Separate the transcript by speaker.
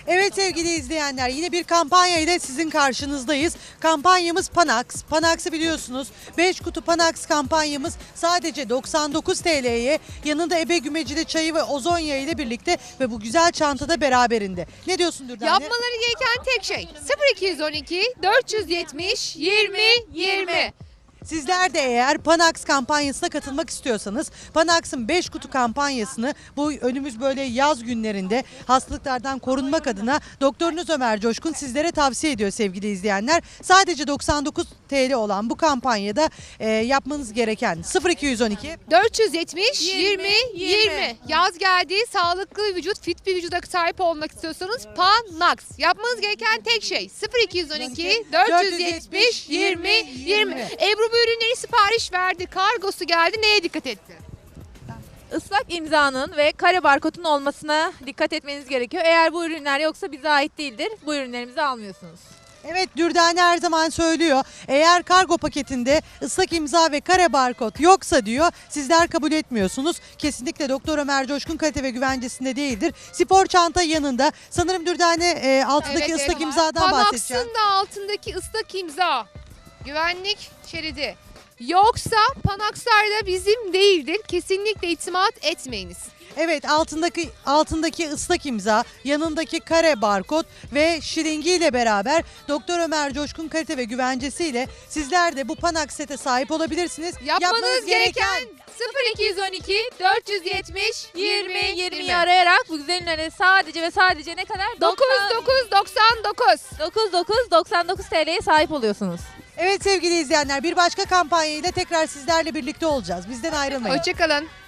Speaker 1: Evet sevgili izleyenler, yine bir kampanya ile sizin karşınızdayız. Kampanyamız Panax. Panax'ı biliyorsunuz. 5 kutu Panax kampanyamız sadece 99 TL'ye, yanında ebe gümecili çayı ve ozon yağı ile birlikte ve bu güzel çantada beraberinde. Ne diyorsun Dürdane?
Speaker 2: Yapmaları gereken tek şey 0212 470 20 20.
Speaker 1: Sizler de eğer Panax kampanyasına katılmak istiyorsanız Panax'ın 5 kutu kampanyasını bu önümüz böyle yaz günlerinde hastalıklardan korunmak adına doktorunuz Ömer Coşkun sizlere tavsiye ediyor sevgili izleyenler. Sadece 99 TL olan bu kampanyada yapmanız gereken 0212
Speaker 2: 470 20 20. Yaz geldi, sağlıklı vücut, fit bir vücuda sahip olmak istiyorsanız Panax. Yapmanız gereken tek şey 0212 470 20 20. Ebru bu ürünleri sipariş verdi, kargosu geldi. Neye dikkat etti?
Speaker 3: Islak imzanın ve kare barkodun olmasına dikkat etmeniz gerekiyor. Eğer bu ürünler yoksa bize ait değildir. Bu ürünlerimizi almıyorsunuz.
Speaker 1: Evet, Dürdane her zaman söylüyor. Eğer kargo paketinde ıslak imza ve kare barkod yoksa diyor, sizler kabul etmiyorsunuz. Kesinlikle Doktor Ömer Coşkun kalite ve güvencesinde değildir. Spor çanta yanında. Sanırım Dürdane altındaki ıslak imzadan bahsedeceğim.
Speaker 2: Panax'ın da altındaki ıslak imza. Güvenlik şeridi. Yoksa Panax'lar da bizim değildir. Kesinlikle itimat etmeyiniz.
Speaker 1: Evet, altındaki ıslak imza, yanındaki kare barkod ve şiringiyle beraber Doktor Ömer Coşkun kalite ve güvencesiyle sizler de bu Panax sete sahip olabilirsiniz.
Speaker 2: Yapmanız gereken 0212 470 20
Speaker 3: 20'yi arayarak bu güzel ürünleri sadece ve sadece ne kadar?
Speaker 2: 9999.
Speaker 3: 99 TL'ye sahip oluyorsunuz.
Speaker 1: Evet sevgili izleyenler, bir başka kampanya ile tekrar sizlerle birlikte olacağız. Bizden ayrılmayın.
Speaker 2: Hoşçakalın.